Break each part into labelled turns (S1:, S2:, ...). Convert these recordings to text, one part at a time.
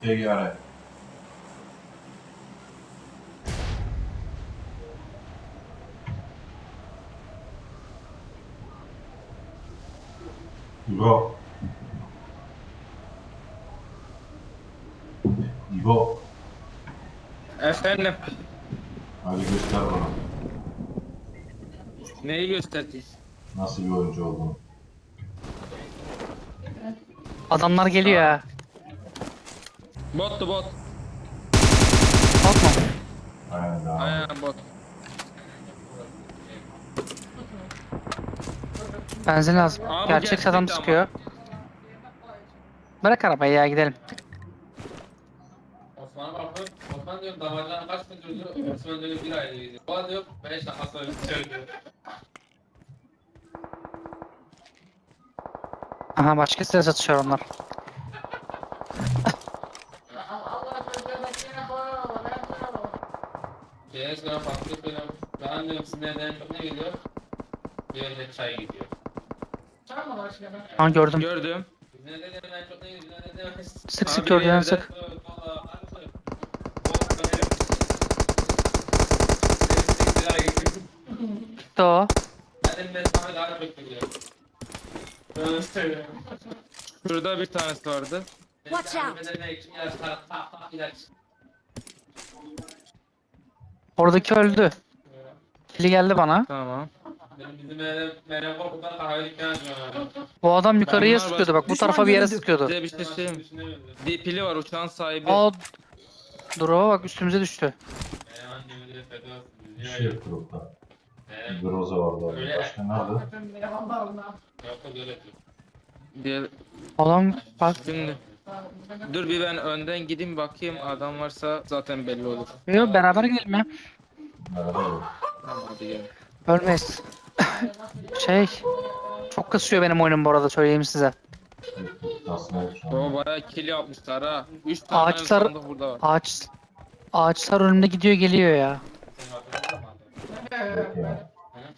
S1: Teyyare. İbo. İbo.
S2: Efendim,
S1: Hadi göster bana.
S2: neyi göstereyim?
S1: Nasıl bir oyuncu olduğunu.
S3: Adamlar geliyor ha.
S2: Bottu bot.
S3: Bakma.
S1: Aynen devam et.
S2: Aynen bot.
S3: Benzin lazım.
S2: Abi bu
S3: Gerçek adam
S2: gerçekti ama.
S3: sıkıyor. Bırak arabayı ya gidelim.
S4: Osman'a baktım. Osman diyor damardan kaç gün durdu? Osman diyor bir ay diyor. O diyor 5 dakika sonra söylüyor.
S3: Aha başka silah satışıyor onlar.
S4: Şeye sonra baktık böyle. Ben diyorum sizin evden çok ne gidiyor? Bir önce çay gidiyor.
S3: Ha gördüm.
S2: Gördüm.
S4: Sizin evden çok ne gidiyor? Ne demek?
S3: Sık sık
S2: Abi
S3: gördüğün
S2: yerde-
S3: sık. Gitti o.
S2: Şurada bir tanesi vardı.
S5: Watch out.
S3: Oradaki öldü. Kili geldi bana.
S2: Tamam.
S4: Bizim evde Meryem Korkut'tan kahve dükkanı açıyor.
S3: Bu adam yukarıya
S2: Bunlar
S3: sıkıyordu bak. Bu
S5: Düşman
S3: tarafa bir yere
S5: görüldü.
S3: sıkıyordu.
S2: Size bir şey söyleyeyim. Pili var uçağın sahibi.
S3: Aa, dur o bak üstümüze düştü.
S4: Meryem annemi de feda olsun.
S1: Bir şey yok grupta. Groza vardı orada. Başka nerede?
S4: Yok öyle.
S2: Diğer...
S3: Adam bak.
S2: Şimdi. Dur bir ben önden gideyim bakayım adam varsa zaten belli olur.
S3: Yo, beraber gidelim ya.
S1: Nerede yok?
S2: Tamam hadi gel.
S3: Ölmeyiz. Şey. Çok kasıyor benim oyunum bu arada söyleyeyim size.
S1: Tasma yok şu an.
S2: O bayağı kill yapmışlar ha. 3 tane
S3: Ağaçlar
S2: sandık burada var.
S3: ağaçlar önümde gidiyor geliyor ya.
S1: Yok ya.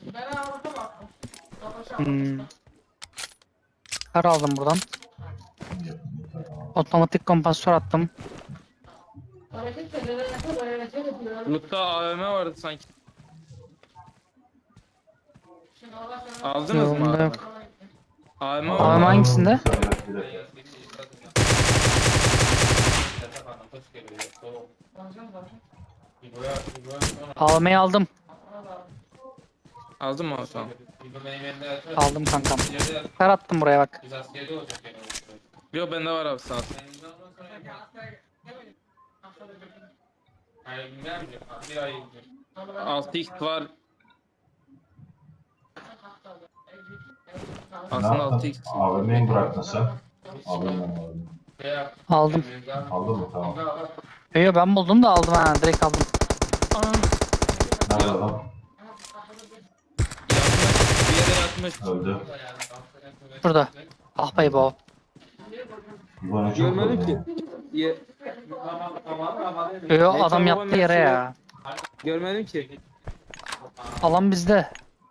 S3: Hmm. Kar aldım buradan.
S1: Yok, tamam.
S3: Otomatik kompansatör attım.
S2: Lutta AVM vardı sanki. Aldınız mı
S3: Yolunda
S2: AVM?
S3: yok.
S2: AVM
S3: AVM
S2: var.
S3: hangisinde?
S1: Bir dakika.
S3: AVM'yi aldım.
S2: Aldın mı tamam.
S3: Aldım kankam. Kar attım buraya bak.
S4: Biz askerde olacak yani.
S2: Yok bende var abi sağ ol.
S4: Hayır bilmem mi? Bir ay gidiyor.
S2: 6x var.
S1: Ne
S2: Aslında
S1: yaptın?
S2: 6x.
S1: AVM'yi mi bıraktın sen? Alayım ben AVM'yi.
S3: Aldım.
S1: Aldın mı? Tamam.
S3: Yo ben buldum da aldım ha direkt aldım.
S1: Nerede adam?
S2: Yatmış. Bir yere yatmış.
S1: Öldü.
S3: Burada. Ah be bu.
S1: İbo ne çok
S2: Görmedim
S1: öldü.
S2: ki. Ye
S3: Yo
S2: Ne
S3: adam
S2: çabuk
S3: yattı yere
S2: olmuş
S3: ya.
S2: Görmedim ki.
S3: Alan bizde.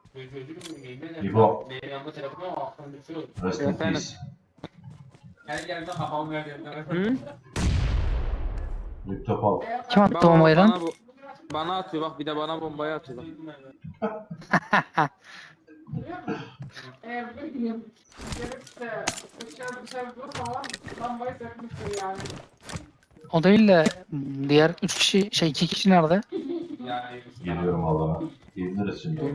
S1: İbo.
S4: Şey
S1: Rest in
S2: Efendim?
S1: peace.
S4: Her geldiğinde kafam geldi.
S2: Hı?
S1: Laptop al.
S3: Kim attı bombayı lan?
S2: Bana atıyor bak bir de bana bombayı atıyor.
S3: O değil de diğer 3 kişi 2 kişi nerede?
S1: Geliyorum alana. Geliriz şimdi.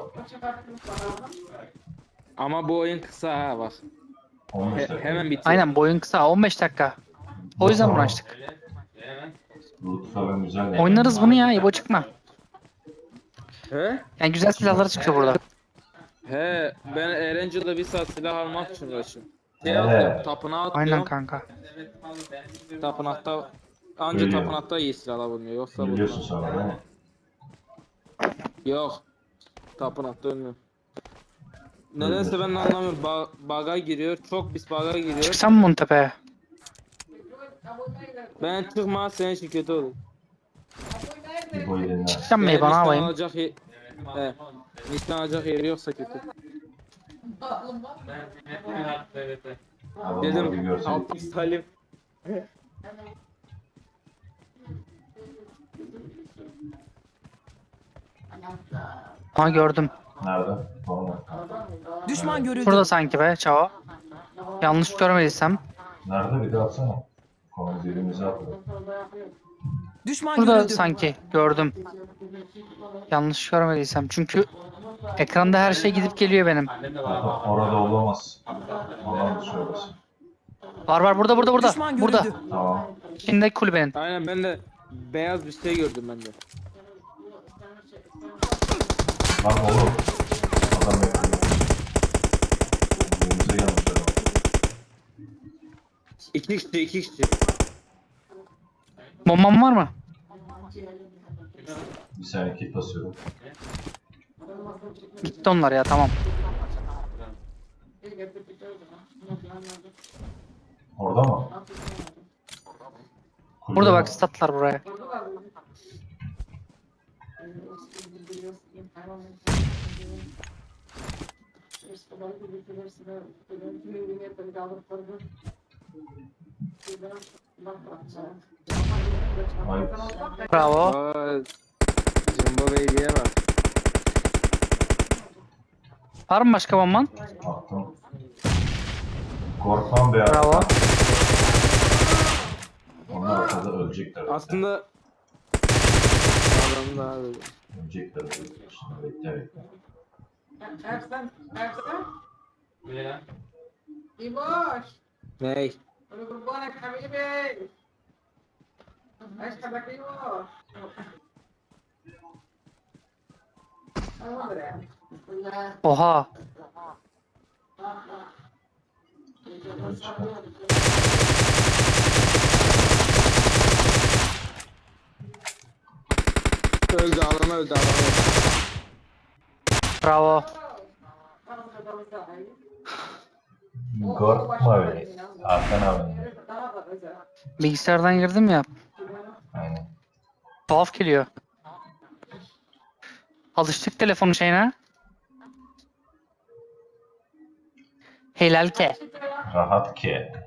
S2: Ama bu oyun kısa ha bak.
S1: 15 dakika.
S2: Hemen bitiyor.
S3: Aynen boyun kısa 15 dakika. O yüzden bunu açtık.
S1: Loot falan güzel yani.
S3: Oynarız bunu ya İbo çıkma.
S2: He?
S3: Yani güzel silahlar çıkıyor burada.
S2: He ben Erangel'da bir saat silah almak için uğraşıyorum.
S1: He.
S2: Atıyorum, tapınağa
S3: Aynen
S2: atıyorum.
S3: kanka.
S2: Tapınakta anca
S1: Biliyorum.
S2: tapınakta iyi silah alabiliyor yoksa
S1: Biliyorsun
S2: bulmaz.
S1: sana değil mi?
S2: Yok. Tapınakta ölmüyor. Nedense ben de anlamıyorum. Bug'a giriyor. Çok pis bug'a giriyor.
S3: Çıksam mı bunun tepeye?
S2: Ben çıkma senin için kötü olur.
S1: İbo'yu dinle.
S3: Çıksam mı
S2: Benim
S3: bana
S2: nişan
S3: alayım?
S2: alacak he. Nişan alacak yeri yoksa kötü.
S1: Adamları bir
S2: Dedim
S1: görsen.
S2: Altın Salim.
S3: Ha gördüm.
S1: Nerede? Tamam.
S5: Düşman görüldü.
S3: Burada sanki be Çavo. Yanlış görmediysem.
S1: Nerede bir daha atsana. Konu dilimize atıyor.
S5: Düşman
S3: Burada
S5: görüldü.
S3: sanki gördüm. Yanlış görmediysem. Çünkü ekranda her şey gidip geliyor benim.
S4: Annem de var.
S1: Orada olamaz. Olan söylesin.
S3: Var burada.
S5: Düşman
S3: Burada.
S5: görüldü.
S1: Tamam.
S3: İçindeki kulübenin.
S2: Aynen ben de beyaz bir şey gördüm ben de.
S1: Lan oğlum. Adam yapıyor. Dilimize gelmiş adam.
S2: İki kişi.
S3: Bombam var mı?
S1: Bir saniye kit basıyorum.
S3: Gitti onlar ya tamam.
S1: Orada mı? Kulübe
S3: Burada
S1: mi?
S3: bak statlar buraya.
S1: Ay,
S3: Bravo.
S2: Aa, Jumbo Baby'ye bak.
S3: Var mı başka bomban?
S1: attım. Korkmam be ya.
S3: Bravo.
S1: Onlar ortada ölecekler.
S2: Aslında adam daha böyle.
S1: Ölecekler. Şimdi bekle.
S4: Ne lan?
S6: Ibosh,
S2: Ney?
S6: ano grupo na kami Ay, kada kayo. Ano ba rin?
S3: Oha.
S2: Öldü adam.
S3: Bravo.
S1: Korkma beni. Hakan abi.
S3: Bilgisayardan girdim ya.
S1: Aynen.
S3: Tuhaf geliyor. Alıştık telefonun şeyine. Helal ke.
S1: Rahat ki.